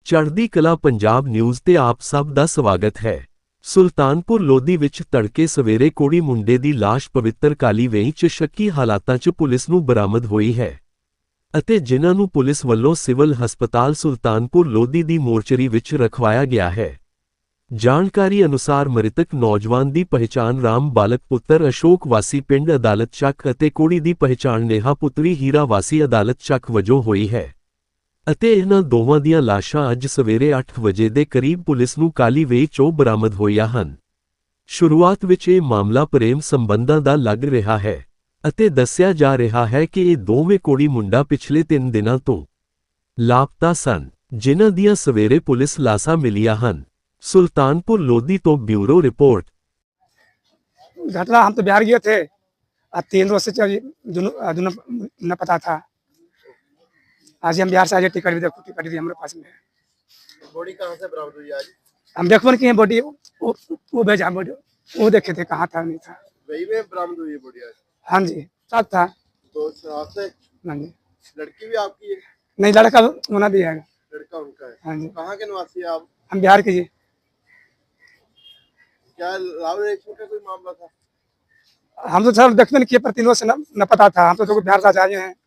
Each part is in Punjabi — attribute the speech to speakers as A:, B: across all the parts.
A: ਚੜ੍ਹਦੀ ਕਲਾ ਪੰਜਾਬ ਨਿਊਜ਼ ਤੇ ਆਪ ਸਭ ਦਾ ਸਵਾਗਤ ਹੈ। ਸੁਲਤਾਨਪੁਰ ਲੋਧੀ ਵਿੱਚ ਤੜਕੇ ਸਵੇਰੇ ਕੋੜੀ ਮੁੰਡੇ ਦੀ ਲਾਸ਼ ਪਵਿੱਤਰ ਕਾਲੀ ਵੇਈਂ 'ਚ ਸ਼ੱਕੀ ਹਾਲਾਤਾਂ 'ਚ ਪੁਲਿਸ ਨੂੰ ਬਰਾਮਦ ਹੋਈ ਹੈ ਅਤੇ ਜਿਨ੍ਹਾਂ ਨੂੰ ਪੁਲਿਸ ਵੱਲੋਂ ਸਿਵਲ ਹਸਪਤਾਲ ਸੁਲਤਾਨਪੁਰ ਲੋਧੀ ਦੀ ਮੋਰਚਰੀ ਵਿੱਚ ਰਖਵਾਇਆ ਗਿਆ ਹੈ। ਜਾਣਕਾਰੀ ਅਨੁਸਾਰ ਮ੍ਰਿਤਕ ਨੌਜਵਾਨ ਦੀ ਪਹਿਚਾਣ ਰਾਮ ਬਾਲਕ ਪੁੱਤਰ ਅਸ਼ੋਕ ਵਾਸੀ ਪਿੰਡ ਅਦਾਲਤ ਚੱਕ ਅਤੇ ਕੁੜੀ ਦੀ ਪਹਿਚਾਣ ਨੇਹਾ ਪੁੱਤਰੀ ਹੀਰਾ ਵਾਸੀ ਅਦਾਲਤ ਚੱਕ ਵਜੋਂ ਹੋਈ ਹੈ ਅਤੇ ਇਹਨਾਂ ਦੋਵਾਂ ਦੀਆਂ ਲਾਸ਼ਾਂ ਅੱਜ ਸਵੇਰੇ 8 ਵਜੇ ਦੇ ਕਰੀਬ ਪੁਲਿਸ ਨੂੰ ਕਾਲੀ ਵੇਈਂ 'ਚੋਂ ਬਰਾਮਦ ਹੋਈਆਂ ਹਨ। ਸ਼ੁਰੂਆਤ ਵਿੱਚ ਇਹ ਮਾਮਲਾ ਪ੍ਰੇਮ ਸੰਬੰਧਾਂ ਦਾ ਲੱਗ ਰਿਹਾ ਹੈ ਅਤੇ ਦੱਸਿਆ ਜਾ ਰਿਹਾ ਹੈ ਕਿ ਇਹ ਦੋਵੇਂ ਕੁੜੀ ਮੁੰਡਾ ਪਿਛਲੇ 3 ਦਿਨਾਂ ਤੋਂ ਲਾਪਤਾ ਸਨ, ਜਿਨ੍ਹਾਂ ਦੀਆਂ ਸਵੇਰੇ ਪੁਲਿਸ ਲਾਸ਼ਾਂ ਮਿਲੀਆਂ ਹਨ। सुल्तानपुर लोधी तो ब्यूरो रिपोर्ट।
B: घटना हम तो बिहार गए थे, 3 रोज से दोनों न पता था। आज हम बिहार से आए, टिकट भी देखो, टिकट भी हमारे पास में है।
C: बॉडी कहाँ से बरामद हुई आज?
B: हम देखो कि बॉडी वो भेजा, बॉडी वो देखे थे कहाँ था नहीं था।
C: वही में बरामद हुई है बॉडी आज?
B: हाँ जी, साथ था।
C: तो साथ से
B: हाँ जी,
C: लड़की भी आपकी है?
B: नहीं, लड़का होना भी है।
C: लड़का उनका है?
B: हाँ जी।
C: कहाँ के निवासी है आप?
B: हम बिहार के जी।
C: क्या लव रिलेशन का कोई मामला था?
B: हम तो सर देखते नहीं किए, पर 3 रोज से न पता था। हम तो बिहार से आए हैं।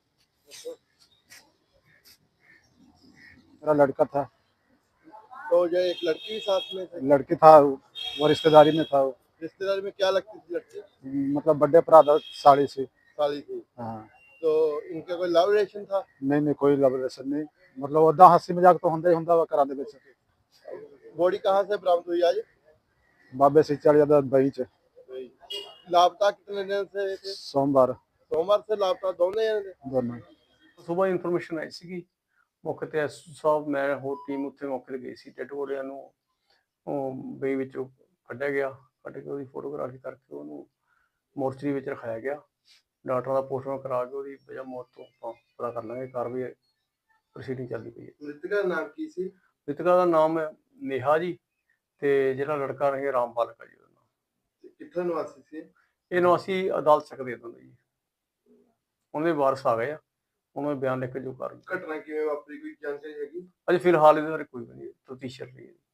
D: मेरा लड़का था,
C: तो जो एक लड़की भी साथ में थी?
D: लड़की था, वो रिश्तेदारी में था। वो
C: रिश्तेदारी में क्या लगती थी लड़की?
D: मतलब बर्थडे पर आधा साड़ी से।
C: साली थी।
D: हाँ,
C: तो इनका कोई लव रिलेशन था?
D: नहीं नहीं, कोई लव रिलेशन नहीं। मतलब ओदा हंसी मजाक तो होंदा ही होंदा वा घरां दे विच।
C: बॉडी कहाँ से बरामद हुई आज?
D: बाबे सिंचाली दा बई च
C: लापता कितने दिन से थे?
D: सोमवार
C: सोमवार से लापता दोनों जने थे?
D: दोनों।
E: ਸੁਬਾਹ ਇਨਫੋਰਮੇਸ਼ਨ ਆਈ ਸੀਗੀ, ਮੌਕੇ ਤੇ ਐਸਓ ਸਾਹਿਬ ਮੈਂ ਹੋਰ ਟੀਮ ਉੱਥੇ ਮੌਕੇ ਤੇ ਗਈ ਸੀ। ਡੈਡ ਬੋਡੀਆਂ ਨੂੰ ਉਹ ਬਈ ਵਿੱਚੋਂ ਕੱਢਿਆ ਗਿਆ, ਕੱਢ ਕੇ ਉਹਦੀ ਫੋਟੋਗ੍ਰਾਫੀ ਕਰਕੇ ਉਹਨੂੰ ਮੋਰਚਰੀ ਵਿੱਚ ਰਖਾਇਆ ਗਿਆ। ਡਾਕਟਰਾਂ ਦਾ ਪੋਸਟਮਾਰਟਮ ਕਰਾ ਕੇ ਉਹਦੀ ਵਜ੍ਹਾ ਮੌਤ ਤੋਂ ਆਪਾਂ ਪਤਾ ਕਰ ਲਾਂਗੇ। ਕਾਰਵਾਈ ਪ੍ਰੋਸੀਡਿੰਗ ਚੱਲਦੀ ਪਈ ਹੈ।
C: मृतका का नाम की सी?
E: ਮ੍ਰਿਤਕਾ ਦਾ ਨਾਮ ਹੈ ਨੇਹਾ ਜੀ ਤੇ ਜਿਹੜਾ ਲੜਕਾ ਰਹੇ ਰਾਮ ਬਾਲਕ ਆ ਜੀ ਉਹਦਾ ਨਾਮ।
C: कितने निवासी थे?
E: ਇਹ ਨਿਵਾਸੀ ਅਦਾਲਤ ਸਕਦੇ ਦਿੰਦੇ ਜੀ, ਉਹਨਾਂ ਦੇ ਵਾਰਸ ਆ ਗਏ ਆ, ਉਹਨਾਂ ਦੇ ਬਿਆਨ ਲਿਖ ਕੇ ਜੋ ਕਰ
C: घटना किवें वापरी कोई जानकारी हैगी?
E: ਅਜੇ ਫਿਲਹਾਲ ਇਹਦੇ ਬਾਰੇ ਕੋਈ ਵੀ ਨਹੀਂ ਤਫਤੀਸ਼ ਚੱਲ ਰਹੀ ਹੈ।